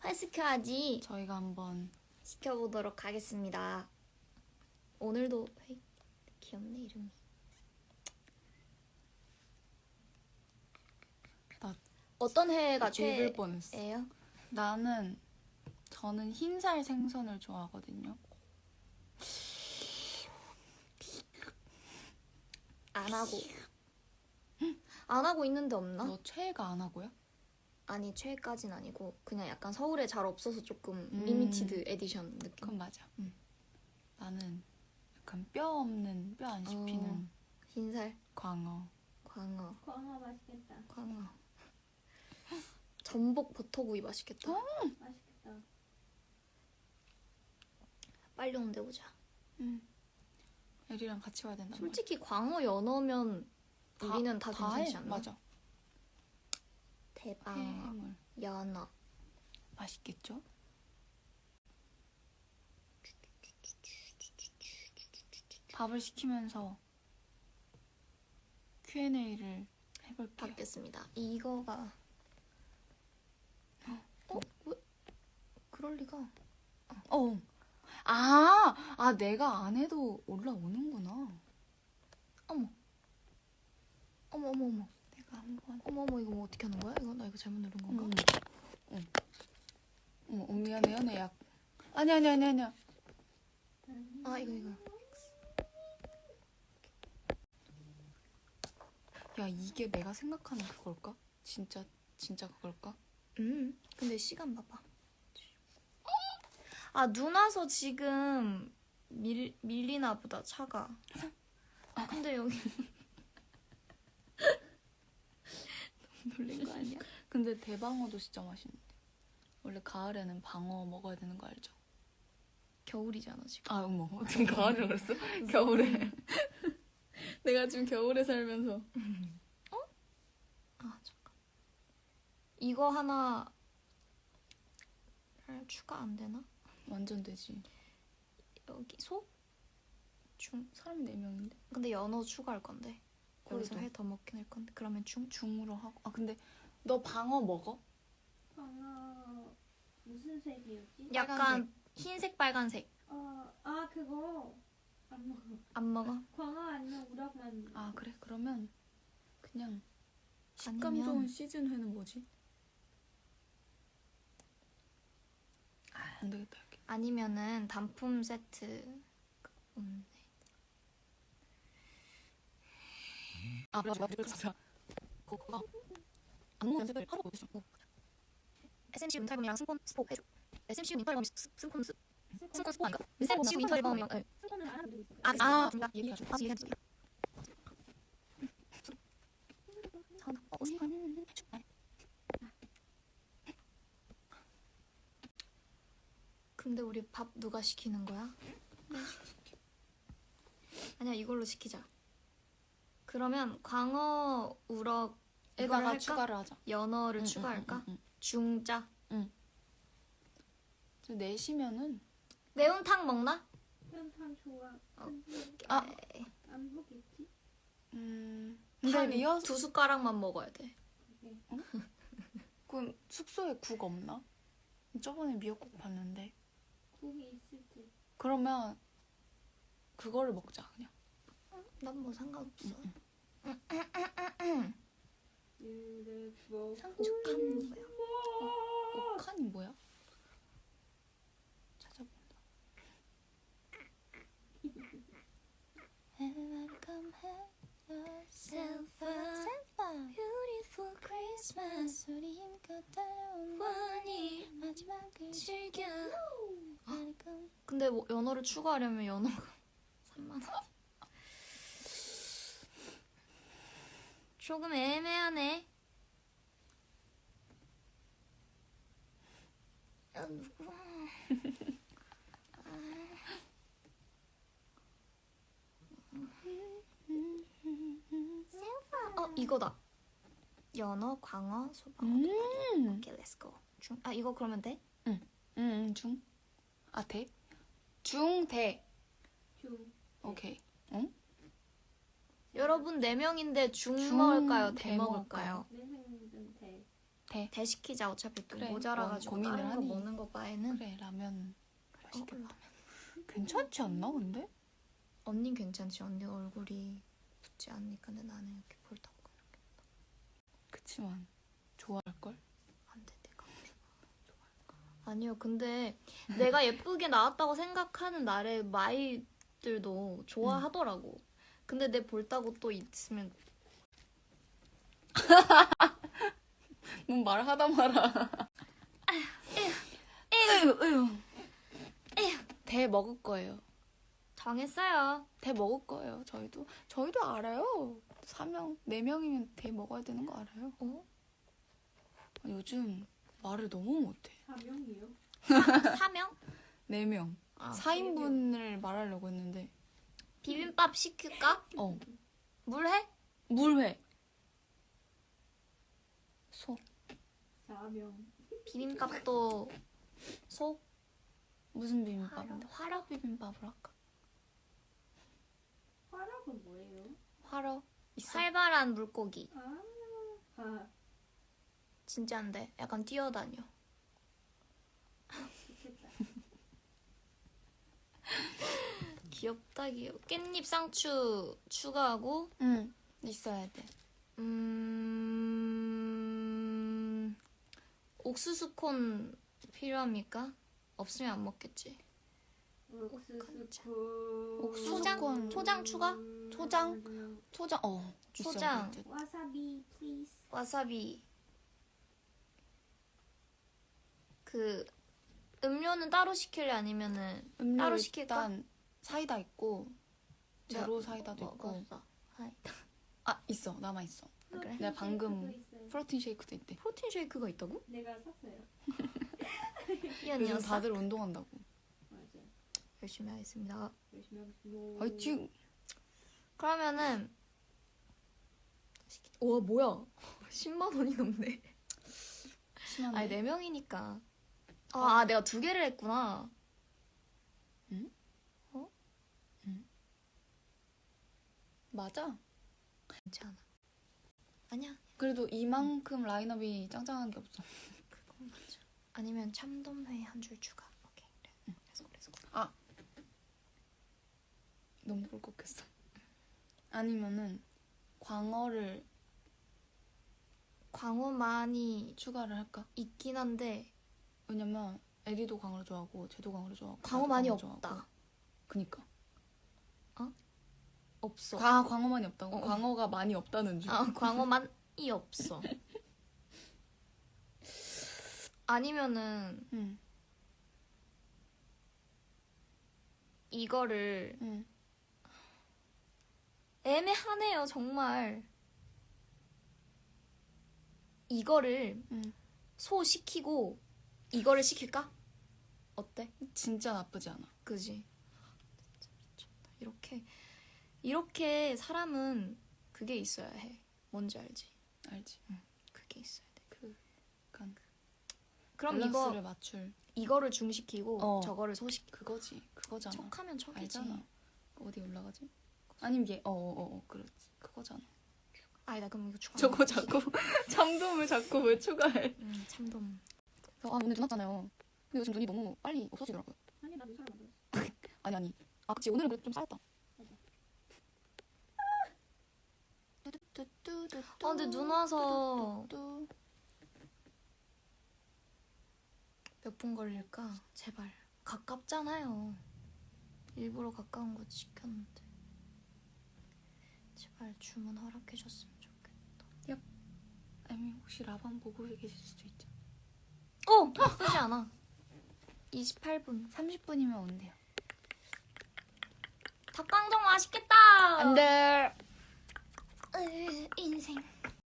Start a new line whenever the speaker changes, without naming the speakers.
빨리 시켜야지.
저희가 한번
시켜보도록 하겠습니다. 오늘도 귀엽네 이름이.
나
어떤 회가
읽을 뻔했어.
최애예요?
저는 흰살 생선을 좋아하거든요.
안 하고 있는데 없나?
너 최애가 안 하고요?
아니 최애까진 아니고 그냥 약간 서울에 잘 없어서 조금 리미티드 에디션 느낌.
그건 맞아. 나는 약간 뼈 없는, 뼈 안 씹히는
흰살
광어.
광어
맛있겠다.
광어 전복 버터구이 맛있겠다.
맛있겠다.
빨리 온대 보자.
애리랑 같이 와야 된단 말이야.
솔직히 광어 연어면 우리는 다 괜찮지 않나?
맞아.
대방어
해물
연어
맛있겠죠? 밥을 시키면서 Q&A를 해볼게요.
받겠습니다. 이거가 왜? 그럴 리가.
내가 안 해도 올라오는구나.
어머.
내가 한번.
어머 이거 뭐 어떻게 하는 거야? 이거 나 이거 잘못 누른 건가?
미안해, 연애 약. 아니야.
아 이거.
야, 이게 내가 생각하는 그걸까? 진짜 그걸까?
근데 시간 봐봐. 아 눈 와서 지금 밀리나 보다 차가. 근데 여기 놀린 거 아니야?
근데 대방어도 진짜 맛있는데. 원래 가을에는 방어 먹어야 되는 거 알죠?
겨울이잖아 지금.
어머. 지금 가을이라고 그랬어? 겨울에. 내가 지금 겨울에 살면서.
아 잠깐. 이거 하나 추가 안 되나?
완전 되지.
여기 소?
사람 4명인데?
근데 연어 추가할 건데. 여기서
그래도.
회 더 먹긴 할 건데. 그러면
중으로 하고. 근데 너 방어 먹어?
광어 무슨 색이었지?
약간 흰색 빨간색.
그거 안 먹어.
안 먹어?
광어 아니면 우럭만.
그래? 그러면 그냥 식감
아니면-
좋은 시즌 회는 뭐지? 안 되겠다. 여기.
아니면은 단품 세트.
맞아. 그거 안무 연습을 하러 오고 있어.
SMC 윈터 앨범이랑 스포 해줘. SMC 윈터 앨범이 스폰 스포 아닌가? SMC 윈터 앨범이랑
스폰은 안 하는 적 있어.
얘기하죠.
얘기해줘. 근데 우리 밥 누가 시키는 거야? 아니야 이걸로 시키자. 그러면 광어, 우럭 이거를
에다가
할까?
추가를 하자.
연어를 추가할까? 중짜.
저 내시면은
매운탕 먹나?
현탕 좋아. 안 먹겠지?
근데
한
리허설
2숟가락만 먹어야 돼.
그럼 숙소에 국 없나? 저번에 미역국 봤는데.
국이 있을 때.
그러면 그거를 먹자 그냥.
난 뭐 상관없어. 상주칸 뭐야?
옥칸이 뭐야? 찾아본다.
Beautiful Christmas
우리 힘껏 달려온
원이
마지막을
즐겨. 근데 뭐 연어를 추가하려면 연어가 3만 원. 조금 애매하네. 야, 누구야? 이거다. 연어, 광어, 소방어. 오케이, 렛츠 고. 이거 그러면 돼?
중. 대? 중, 대.
중.
오케이.
여러분 4명인데 중
중,
먹을까요?
대
대 먹을까요?
내 생각은 돼.
대 시키자. 어차피 또
그래,
모자라가지고
고민을
다른 거
하니.
먹는 거 바에는.
그래 라면 맛있겠다.
라면.
괜찮지 않나 근데?
언닌 괜찮지. 언니 얼굴이 붓지 않으니까. 근데 나는 이렇게 볼따고
그치만 좋아할걸?
안 돼. 내가 아니요. 근데 내가 예쁘게 나왔다고 생각하는 나의 마이들도 좋아하더라고. 근데 내 볼따고 또 있으면
뭔 말하다 말아. 대 먹을 거예요.
정했어요.
대 먹을 거예요. 저희도 알아요. 4명, 4명이면 대 먹어야 되는 거 알아요.
어?
요즘 말을 너무 못해.
4명이요?
4명?
4명.
아,
4인분을 말하려고 했는데.
비빔밥 시킬까? 물회?
물회. 소.
4명.
비빔밥도 소?
무슨 비빔밥인데? 화력 비빔밥을 할까?
화락은 뭐예요?
화력 있어?
살벌한 물고기.
아,
진짜인데 약간 뛰어다녀.
좋겠다.
귀엽다 귀여워. 깻잎 상추 추가하고
응. 있어야 돼.
옥수수 콘 필요합니까? 없으면 안 먹겠지.
옥수수
초장 추가?
초장? 초장.
초장.
있어야 돼.
와사비 플리즈.
와사비. 그 음료는 따로 시킬래 아니면은
음료
따로 시킬까?
일단 사이다 있고 제로 사이다도 있고.
먹었어. 사이다.
있어. 남아 있어.
그래?
내가 방금
있어요.
프로틴 쉐이크도 있대.
프로틴 쉐이크가 있다고?
내가 샀어요.
이
요즘
언니였어?
다들 운동한다고.
맞아.
열심히 하겠습니다.
열심히 하겠습니다.
화이팅!
그러면은 와 뭐야 10만 원이 넘네.
심한데?
아니 4명이니까 내가 2개를 했구나.
맞아.
괜찮아. 아니야
그래도 이만큼 라인업이 짱짱한 게 없어.
그건 맞아. 아니면 참돔회 한 줄 추가. 오케이 그래. 그래서
너무 꿀꺽했어. 아니면은 광어를
광어 많이
추가를 할까?
있긴 한데
왜냐면 에리도 광어를 좋아하고 쟤도 광어를 좋아하고
광어
나도
많이
광어를
없다.
좋아하고. 그니까.
없어.
광어 많이 없다고?
어.
광어가 많이 없다는 줄.
광어만이 없어. 아니면은
응.
이거를
응.
애매하네요 정말. 이거를
응.
소 시키고 이거를 시킬까? 어때?
진짜 나쁘지 않아.
그지? 진짜 미쳤다. 이렇게 사람은 그게 있어야 해. 뭔지 알지?
알지?
그게 있어야 돼.
약간
그럼
밸런스를 맞출.
이거를 중시키고 저거를 소시키.
그거지. 그거잖아.
척하면 척이지.
알잖아. 어디 올라가지? 아니면 얘 그렇지. 그거잖아.
아니다 그럼 이거 추가.
저거 자꾸 참돔을 자꾸 왜 추가해?
참돔.
오늘 눈 왔잖아요. 근데 요즘 눈이 너무 빨리 없어지더라고요.
아니 나도 사람 안 돼.
아니. 그치 오늘은 그래도 좀 쌓였다.
근데 눈 와서
뚜.
몇 분 걸릴까? 제발. 가깝잖아요. 일부러 가까운 곳 시켰는데. 제발 주문 허락해줬으면 좋겠다.
에미 혹시 라방 보고 계실 수도 있죠.
나쁘지 않아. 28분.
30분이면 온대요.
닭강정 맛있겠다.
안 돼.
인생.